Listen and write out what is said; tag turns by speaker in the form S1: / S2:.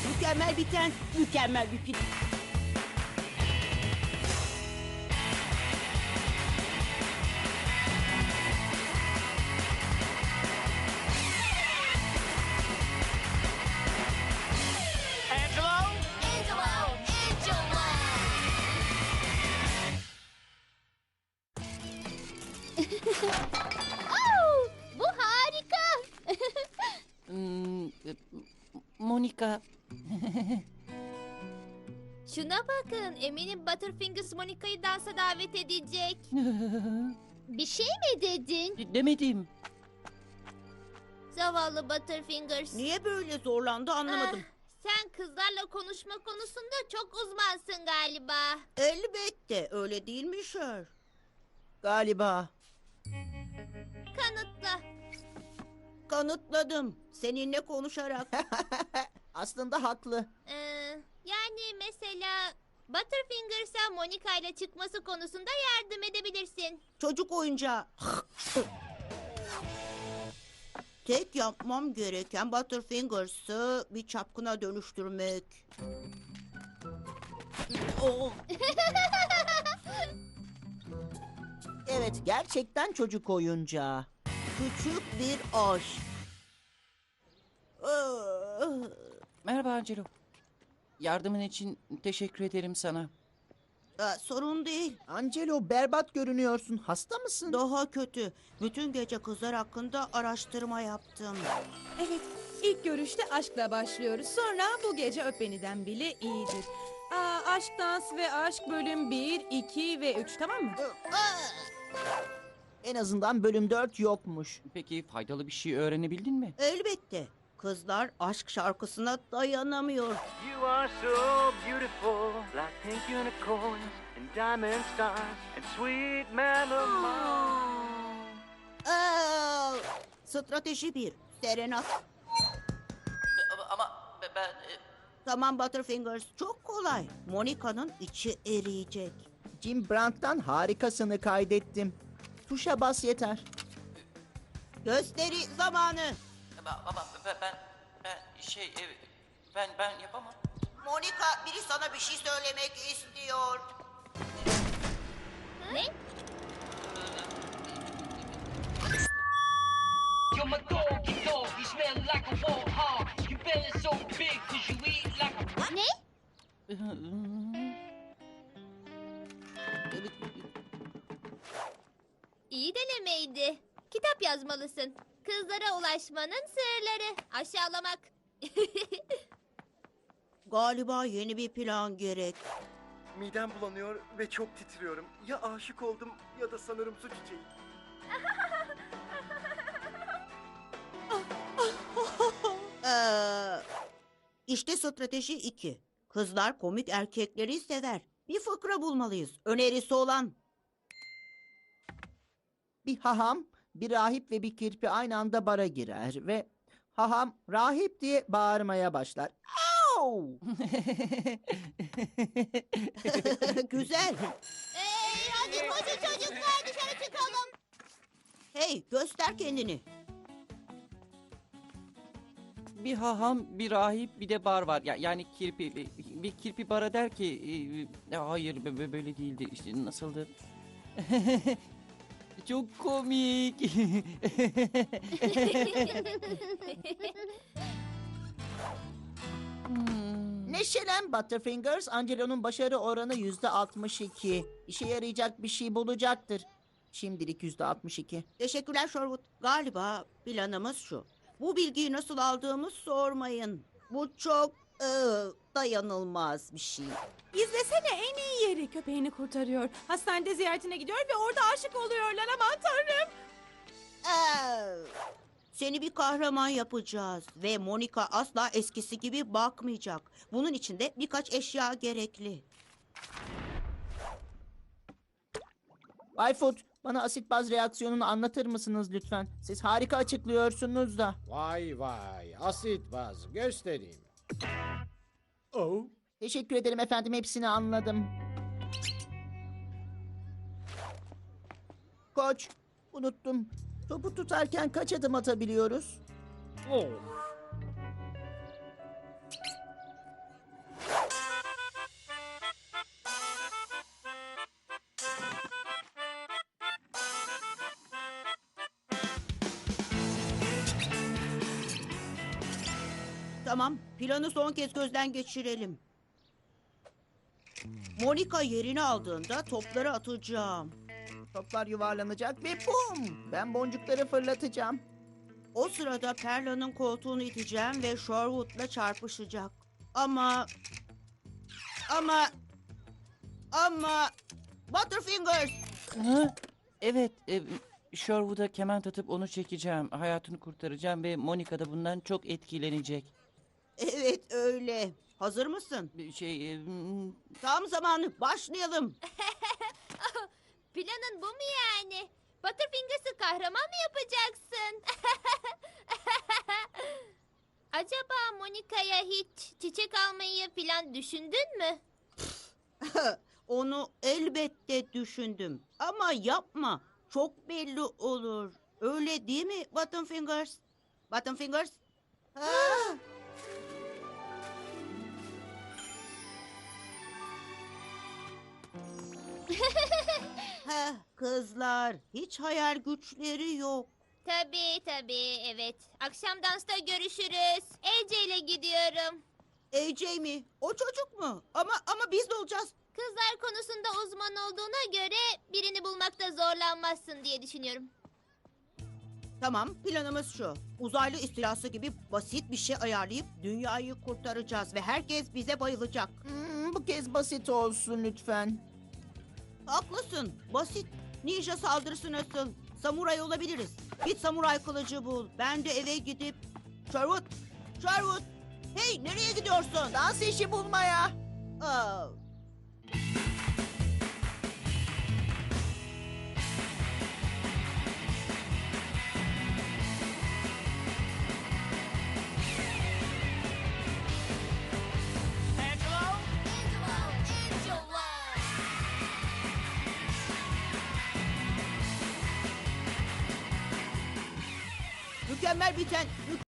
S1: Mükemmel biten, mükemmel bir film.
S2: Angelo?
S3: Angelo! Angelo! Oh, bu harika.
S4: Monica.
S3: Şuna bakın, eminim Butterfingers Monica'yı dansa davet edecek. Bir şey mi dedin?
S4: Demedim.
S3: Zavallı Butterfingers.
S1: Niye böyle zorlandı anlamadım.
S3: Sen kızlarla konuşma konusunda çok uzmansın galiba.
S1: Elbette öyle değil mi Şer?
S4: Galiba.
S3: Kanıtla.
S1: Kanıtladım. Seninle konuşarak.
S4: Aslında haklı.
S3: Yani mesela Butterfingers'a Monica ile çıkması konusunda yardım edebilirsin.
S1: Çocuk oyuncağı. Tek yapmam gereken Butterfingers'ı bir çapkına dönüştürmek. Oh,
S4: Evet, gerçekten çocuk oyuncağı.
S1: küçük bir aşk.
S4: Merhaba Angelo. Yardımın için teşekkür ederim sana.
S1: Sorun değil.
S4: Angelo, berbat görünüyorsun. Hasta mısın?
S1: Daha kötü. Bütün gece kızlar hakkında araştırma yaptım.
S5: Evet, ilk görüşte aşkla başlıyoruz. Sonra bu gece öp beniden bile iyidir. Aşk, dans ve aşk bölüm 1, 2 ve 3, tamam mı?
S4: En azından bölüm 4 yokmuş. Peki faydalı bir şey öğrenebildin mi?
S1: Elbette. Kızlar aşk şarkısına dayanamıyor.
S2: You are so beautiful, like pink unicorns and diamond stars and sweet memories.
S1: Strateji 1. Serenat.
S4: Ama ben...
S1: Tamam Butterfingers. Çok kolay. Monica'nın içi eriyecek.
S4: Jim Brandt'tan harikasını kaydettim. Tuşa bas yeter.
S1: Gösteri zamanı.
S4: Ama ben yapamam.
S1: Monica, biri sana bir şey söylemek istiyor.
S3: Ne?
S6: You're my doggy dog, you smell like a warthog. Your belly's so big 'cause you eat like a...
S3: Ne? İyi denemeydi. Kitap yazmalısın. Kızlara ulaşmanın sırları. Aşağılamak.
S1: Galiba yeni bir plan gerek.
S7: Midem bulanıyor ve çok titriyorum. Ya aşık oldum ya da sanırım su çiçeği.
S1: İşte strateji 2. Kızlar komik erkekleri sever. Bir fıkra bulmalıyız. Önerisi olan.
S4: Bir haham, bir rahip ve bir kirpi aynı anda bara girer ve haham rahip diye bağırmaya başlar. Au!
S1: Güzel.
S3: Hadi koşun çocuklar dışarı çıkalım.
S1: Hey, göster kendini.
S8: Bir haham, bir rahip, bir de bar var. Yani kirpi, bir kirpi bara der ki... hayır, böyle değildi. İşte nasıldı? Çok komik.
S4: Neşelen Butterfingers, Angelo'nun başarı oranı %62. İşe yarayacak bir şey bulacaktır. Şimdilik %62.
S1: Teşekkürler Sherwood. Galiba planımız şu. Bu bilgiyi nasıl aldığımı sormayın. Bu çok dayanılmaz bir şey.
S5: İzlesene, en iyi yeri. Köpeğini kurtarıyor. Hastanede ziyaretine gidiyor ve orada aşık oluyorlar. Aman tanrım.
S1: Seni bir kahraman yapacağız ve Monica asla eskisi gibi bakmayacak. Bunun için de birkaç eşya gerekli.
S4: Bayfoot, bana asit baz reaksiyonunu anlatır mısınız lütfen? Siz harika açıklıyorsunuz da.
S9: Vay vay, asit baz göstereyim. Oh,
S4: Teşekkür ederim efendim, hepsini anladım. Koç, unuttum. Topu tutarken kaç adım atabiliyoruz?
S9: oh.
S1: Tamam, planı son kez gözden geçirelim. Monica yerini aldığında topları atacağım.
S4: Toplar yuvarlanacak ve bum! Ben boncukları fırlatacağım.
S1: O sırada Perla'nın koltuğunu iteceğim ve Sherwood'la çarpışacak. Ama... Butterfingers!
S8: Ha? Evet, Sherwood'a keman atıp onu çekeceğim. Hayatını kurtaracağım ve Monica da bundan çok etkilenecek.
S1: Evet öyle. Hazır mısın? Tam zamanı. Başlayalım.
S3: Planın bu mu yani? Butterfingers'ı kahraman mı yapacaksın? Acaba Monica'ya hiç çiçek almayı falan düşündün mü?
S1: Onu elbette düşündüm. Ama yapma. Çok belli olur. Öyle değil mi Butterfingers? Butterfingers? Ah! Heh, kızlar, hiç hayal güçleri yok.
S3: Tabii evet. Akşam dansta görüşürüz. AJ ile gidiyorum.
S1: AJ mi? O çocuk mu? Ama biz de olacağız.
S3: Kızlar konusunda uzman olduğuna göre birini bulmakta zorlanmazsın diye düşünüyorum.
S1: Tamam, planımız şu. Uzaylı istilası gibi basit bir şey ayarlayıp dünyayı kurtaracağız ve herkes bize bayılacak.
S4: Bu kez basit olsun lütfen.
S1: Haklısın, basit. Ninja saldırısı nasıl? Samuray olabiliriz. Git samuray kılıcı bul. Ben de eve gidip... Sherwood! Hey, nereye gidiyorsun?
S4: Dans işi bulmaya.
S1: Aa, mükemmel biten...